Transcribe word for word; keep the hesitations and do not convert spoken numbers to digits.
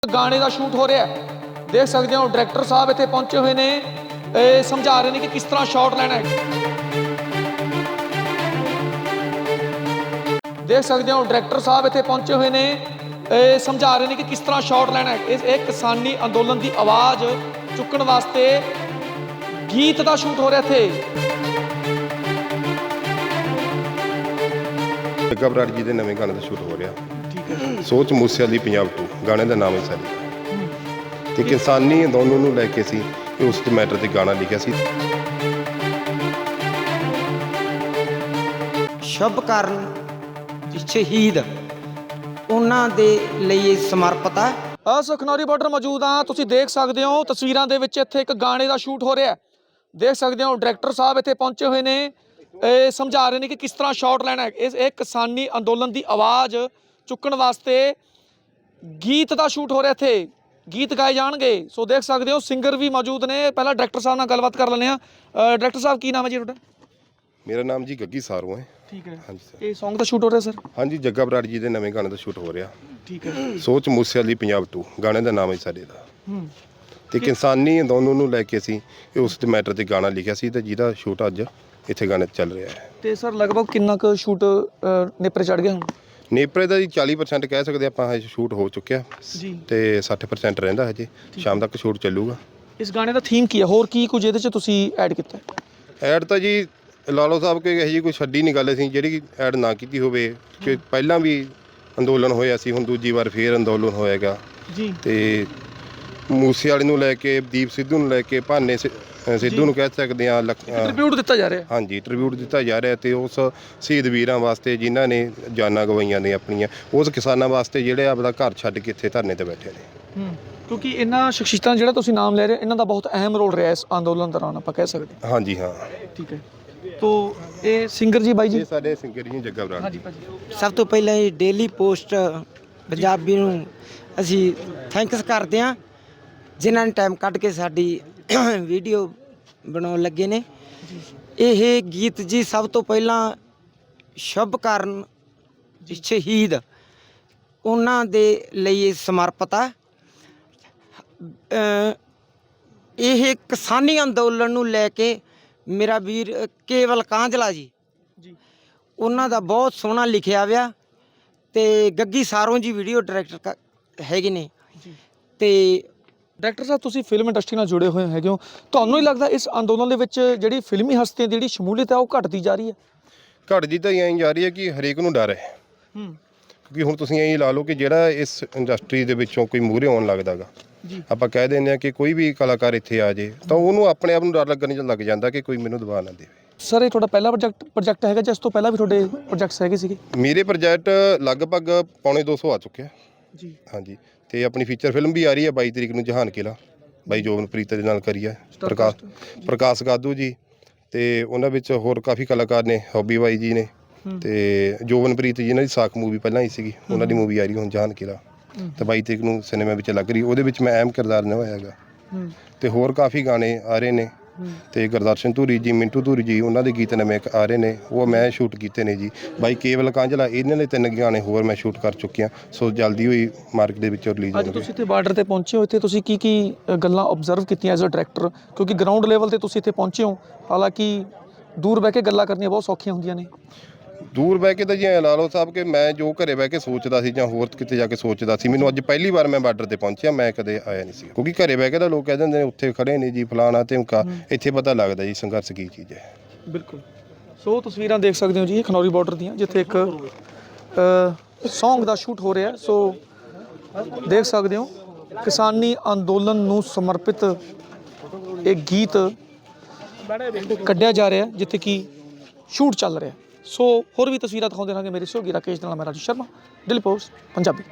गाने का शूट हो रहा है, देख सकते हो डायरैक्टर साहब इत्थे पहुंचे हुए ने, ए, समझा रहे हैं कि किस तरह शॉट लेना है। देख सकते हो डायरैक्टर साहब इत्थे पहुंचे हुए ने, ए, समझा रहे हैं कि किस तरह शॉट लेना है। इस एक किसानी अंदोलन की आवाज़ चुकन वास्ते गीत का शूट हो रहा थे। जग्गा बराड़ जी के नवे गाने का शूट हो रहा सोच मूसे वाली पंजाब टू गाने का नाम है सारी ते किसानी अंदोलन नूं लैके सी उस मैटर ते गाना लिखिया सी। शुभ कारण शहीद उन्हां दे लई समर्पित है। अस खनौरी बॉर्डर मौजूद हाँ, तुसीं देख सकते हो तस्वीरां दे विच इत्थे एक गाने का शूट हो रहा है। देख सकते हो डायरैक्टर साहब इत्थे पहुंचे हुए ने, ए, समझा रहे हैं कि किस तरह शॉट लेना है। इस एक किसानी अंदोलन की आवाज़ चुकन वास्ते गीत का शूट हो रहा थे, गीत गाए जाएंगे। सो देख सकते हो सिंगर भी मौजूद ने। पहला डायरैक्टर साहब नाल गलबात कर लें। डायरैक्टर साहब की नाम है जी तुहाडा? मेरा नाम जी गग्गी सारू है। ठीक है। हाँ जी सर। ये सॉन्ग का शूट हो रहा है सर? हाँ जी, जग्गा बराड़ जी के नवे गाने का शूट हो रहा। ठीक है। सोच मूसे वाली पंजाब टू गाने का नाम है सारे का ते किसानी अंदोलन नूं लैके सी उस मैटर ते गाना लिखिया सी ते जिहदा शूट अज इत्थे गाने चल रहा है। ते सर लगभग कितना क शूट नेपरे चढ़ गया हुण? नेपरे का जी चाली परसेंट कह सकते आप, शूट हो चुकिया जी ते सठ परसेंट रहिंदा हजे, शाम तक शूट चलूगा। इस गाने का थीम की है, होर की कुछ इहदे च तुसीं ऐड कीता है? ऐड तो जी लालो साहब के यही जी कोई छड्डी नहीं गल असीं ਜਿਹੜੀ ऐड ना की होवे कि ਪਹਿਲਾਂ भी अंदोलन होया सी, हुण दूजी वार फिर अंदोलन होएगा जी ते मूसे वाले ਨੂੰ ਲੈ ਕੇ ਦੀਪ ਸਿੱਧੂ ਨੂੰ ਲੈ ਕੇ ਭਾਨੇ ਸਿੱਧੂ ਨੂੰ ਕਹਿ ਸਕਦੇ ਆ। ट्रिब्यूट दिता जा रहा है। ਹਾਂਜੀ, ਟ੍ਰਿਬਿਊਟ ਦਿੱਤਾ ਜਾ ਰਿਹਾ ਤੇ ਉਸ ਸ਼ਹੀਦ ਵੀਰਾਂ ਵਾਸਤੇ ਜਿਨ੍ਹਾਂ ਨੇ ਜਾਨਾਂ ਗਵਾਈਆਂ ਨੇ ਆਪਣੀਆਂ, ਉਸ ਕਿਸਾਨਾਂ ਵਾਸਤੇ ਜਿਹੜੇ ਆਪਦਾ ਘਰ ਛੱਡ ਕੇ ਇੱਥੇ ਧਰਨੇ ਤੇ ਬੈਠੇ ਨੇ। ਕਿਉਂਕਿ ਇਹਨਾਂ ਸ਼ਖਸੀਅਤਾਂ ਜਿਹੜਾ ਤੁਸੀਂ ਨਾਮ ਲੈ ਰਹੇ ਇਹਨਾਂ ਦਾ ਬਹੁਤ ਅਹਿਮ ਰੋਲ ਰਿਹਾ ਇਸ ਅੰਦੋਲਨ ਦੌਰਾਨ, ਆਪਾਂ ਕਹਿ ਸਕਦੇ ਹਾਂ। ਹਾਂਜੀ ਹਾਂ, ਠੀਕ ਹੈ। ਤੋ ਇਹ ਸਿੰਗਰ ਜੀ ਬਾਈ ਜੀ ਇਹ ਸਾਡੇ ਸਿੰਗਰ ਜੀ ਜੱਗਾ ਬਰਾੜ। ਹਾਂਜੀ ਭਾਜੀ। ਸਭ ਤੋਂ ਪਹਿਲਾਂ ਇਹ ਡੇਲੀ ਪੋਸਟ ਪੰਜਾਬੀ ਨੂੰ ਅਸੀਂ ਥੈਂਕਸ ਕਰਦੇ ਹਾਂ ਜਿਨ੍ਹਾਂ ਨੇ ਟਾਈਮ ਕੱਢ ਕੇ ਸਾਡੀ ਵੀਡੀਓ ਬਣਾਉਣ ਲੱਗੇ ਨੇ। ਇਹ ਗੀਤ ਜੀ ਸਭ ਤੋਂ ਪਹਿਲਾਂ ਸ਼ੁਭ ਕਾਰਨ ਸ਼ਹੀਦ ਉਹਨਾਂ ਦੇ ਲਈ ਸਮਰਪਿਤ ਹੈ। ਇਹ ਕਿਸਾਨੀ ਅੰਦੋਲਨ ਨੂੰ ਲੈ ਕੇ ਮੇਰਾ ਵੀਰ ਕੇਵਲ ਕਾਂਝਲਾ ਜੀ ਜੀ ਉਹਨਾਂ ਦਾ ਬਹੁਤ ਸੋਹਣਾ ਲਿਖਿਆ ਵਿਆ ਤੇ ਗੱਗੀ ਸਾਰੋਂ ਜੀ ਵੀਡੀਓ ਡਾਇਰੈਕਟਰ ਹੈਗੇ ਨੇ। ਜੀ ਤੇ ਡਾਇਰੈਕਟਰ ਸਾਹਿਬ ਤੁਸੀਂ ਫਿਲਮ ਇੰਡਸਟਰੀ ਨਾਲ ਜੁੜੇ ਹੋਏ ਹੈਗੇ ਹੋ, ਤੁਹਾਨੂੰ ਹੀ ਲੱਗਦਾ ਇਸ ਅੰਦੋਲਨ ਦੇ ਵਿੱਚ ਜਿਹੜੀ ਫਿਲਮੀ ਹਸਤੀਆਂ ਦੀ ਜਿਹੜੀ ਸ਼ਮੂਲੀਅਤ ਹੈ ਉਹ ਘਟਦੀ ਜਾ ਰਹੀ ਹੈ? ਘਟਦੀ ਤਾਂ ਐਂ ਜਾ ਰਹੀ ਹੈ ਕਿ ਹਰੇਕ ਨੂੰ ਡਰ ਹੈ, ਹੂੰ ਕਿਉਂਕਿ ਹੁਣ ਤੁਸੀਂ ਐਂ ਲਾ ਲਓ ਕਿ ਜਿਹੜਾ ਇਸ ਇੰਡਸਟਰੀ ਦੇ ਵਿੱਚੋਂ ਕੋਈ ਮੂਹਰੇ ਆਉਣ ਲੱਗਦਾ ਗਾ, ਜੀ ਆਪਾਂ ਕਹਿ ਦਿੰਦੇ ਆ ਕਿ ਕੋਈ ਵੀ ਕਲਾਕਾਰ ਇੱਥੇ ਆ ਜੇ ਤਾਂ ਉਹਨੂੰ ਆਪਣੇ ਆਪ ਨੂੰ ਡਰ ਲੱਗਣ ਚ ਲੱਗ ਜਾਂਦਾ ਕਿ ਕੋਈ ਮੈਨੂੰ ਦਬਾ ਨਾ ਦੇਵੇ। ਸਰ ਇਹ ਤੁਹਾਡਾ ਪਹਿਲਾ ਪ੍ਰੋਜੈਕਟ ਪ੍ਰੋਜੈਕਟ ਹੈਗਾ ਜਾਂ ਇਸ ਤੋਂ ਪਹਿਲਾਂ ਵੀ ਤੁਹਾਡੇ ਪ੍ਰੋਜੈਕਟਸ ਹੈਗੇ ਸੀਗੇ? ਮੇਰੇ ਪ੍ਰੋਜੈਕਟ ਲਗਭਗ ਪੌਣੇ ਦੋ ਸੌ ਆ ਚੁੱਕਿਆ। ਜੀ ਹਾਂਜੀ, ਤੇ ਆਪਣੀ ਫੀਚਰ ਫਿਲਮ ਵੀ ਆ ਰਹੀ ਹੈ ਬਾਈ ਤਰੀਕ ਨੂੰ ਜਹਾਨ ਕਿਲਾ, ਬਾਈ ਜੋਬਨਪ੍ਰੀਤ ਦੇ ਨਾਲ ਕਰੀ ਹੈ, ਪ੍ਰਕਾਸ਼ ਪ੍ਰਕਾਸ਼ ਗਾਦੂ ਜੀ ਤੇ ਉਹਨਾਂ ਵਿੱਚ ਹੋਰ ਕਾਫੀ ਕਲਾਕਾਰ ਨੇ, ਹੌਬੀ ਬਾਈ ਜੀ ਨੇ ਤੇ ਜੋਬਨਪ੍ਰੀਤ ਜੀ, ਇਹਨਾਂ ਦੀ ਸਾਖ ਮੂਵੀ ਪਹਿਲਾਂ ਆਈ ਸੀਗੀ, ਉਹਨਾਂ ਦੀ ਮੂਵੀ ਆ ਰਹੀ ਹੁਣ ਜਹਾਨ ਕਿਲਾ ਤੇ ਬਾਈ ਤਰੀਕ ਨੂੰ ਸਿਨੇਮਾ ਵਿੱਚ ਲੱਗ ਰਹੀ, ਉਹਦੇ ਵਿੱਚ ਮੈਂ ਅਹਿਮ ਕਿਰਦਾਰ ਨਿਭਾਇਆ ਹੈਗਾ। ਤੇ ਹੋਰ ਕਾਫੀ ਗਾਣੇ ਆ ਰਹੇ ਨੇ ਤੇ ਗੁਰਦਰਸ਼ਨ ਧੂਰੀ ਜੀ, ਮਿੰਟੂ ਧੂਰੀ ਜੀ, ਉਹਨਾਂ ਦੇ ਗੀਤ ਨਵੇਂ ਆ ਰਹੇ ਨੇ, ਉਹ ਮੈਂ ਸ਼ੂਟ ਕੀਤੇ ਨੇ ਜੀ। ਬਾਈ ਕੇਵਲ ਕਾਂਝਲਾ, ਇਹਨਾਂ ਦੇ ਤਿੰਨ ਗਾਣੇ ਹੋਰ ਮੈਂ ਸ਼ੂਟ ਕਰ ਚੁੱਕਿਆ। ਸੋ ਜਲਦੀ ਹੋਈ ਮਾਰਕੀਟ ਦੇ ਵਿੱਚ ਰਿਲੀਜ਼ ਅੱਜ ਤੁਸੀਂ ਇੱਥੇ ਬਾਰਡਰ ਤੇ ਪਹੁੰਚੇ ਹੋ, ਇੱਥੇ ਤੁਸੀਂ ਕੀ ਕੀ ਗੱਲਾਂ ਆਬਜ਼ਰਵ ਕੀਤੀਆਂ ਐਜ਼ ਅ ਡਾਇਰੈਕਟਰ? ਕਿਉਂਕਿ ਗਰਾਊਂਡ ਲੈਵਲ ਤੇ ਤੁਸੀਂ ਇੱਥੇ ਪਹੁੰਚੇ ਹੋ, ਹਾਲਾਂਕਿ ਦੂਰ ਬਹਿ ਕੇ ਗੱਲਾਂ ਕਰਨੀਆਂ ਬਹੁਤ ਸੌਖੀਆਂ ਹੁੰਦੀਆਂ ਨੇ। ਦੂਰ ਬਹਿ ਕੇ ਤਾਂ ਜੀ ਐਂ ਲਾ ਲਓ ਸਾਹਿਬ ਕਿ ਮੈਂ ਜੋ ਘਰੇ ਬਹਿ ਕੇ ਸੋਚਦਾ ਸੀ ਜਾਂ ਹੋਰ ਕਿਤੇ ਜਾ ਕੇ ਸੋਚਦਾ ਸੀ, ਮੈਨੂੰ ਅੱਜ ਪਹਿਲੀ ਵਾਰ ਮੈਂ ਬਾਰਡਰ ਤੇ ਪਹੁੰਚਿਆ, ਮੈਂ ਕਦੇ ਆਇਆ ਨਹੀਂ ਸੀ। ਕਿਉਂਕਿ ਘਰੇ ਬਹਿ ਕੇ ਤਾਂ ਲੋਕ ਕਹਿ ਦਿੰਦੇ ਨੇ ਉੱਥੇ ਖੜੇ ਨੇ ਜੀ ਫਲਾਣਾ ਧਮਕਾ, ਇੱਥੇ ਪਤਾ ਲੱਗਦਾ ਜੀ ਸੰਘਰਸ਼ ਕੀ ਚੀਜ਼ ਹੈ। ਬਿਲਕੁਲ। ਸੋ ਤਸਵੀਰਾਂ ਦੇਖ ਸਕਦੇ ਹੋ ਜੀ ਇਹ ਖਨੌਰੀ ਬਾਰਡਰ ਦੀਆਂ, ਜਿੱਥੇ ਇੱਕ ਸੌਂਗ ਦਾ ਸ਼ੂਟ ਹੋ ਰਿਹਾ। ਸੋ ਦੇਖ ਸਕਦੇ ਹੋ ਕਿਸਾਨੀ ਅੰਦੋਲਨ ਨੂੰ ਸਮਰਪਿਤ ਇਹ ਗੀਤ ਕੱਢਿਆ ਜਾ ਰਿਹਾ ਜਿੱਥੇ ਕਿ ਸ਼ੂਟ ਚੱਲ ਰਿਹਾ। ਸੋ ਹੋਰ ਵੀ ਤਸਵੀਰਾਂ ਦਿਖਾਉਂਦੇ ਰਹਾਂਗੇ। ਮੇਰੇ ਸਹਿਯੋਗੀ ਰਾਕੇਸ਼ ਨਾਲ, ਮੈਂ ਰਾਜੂ ਸ਼ਰਮਾ, ਡੇਲੀ ਪੋਸਟ ਪੰਜਾਬੀ।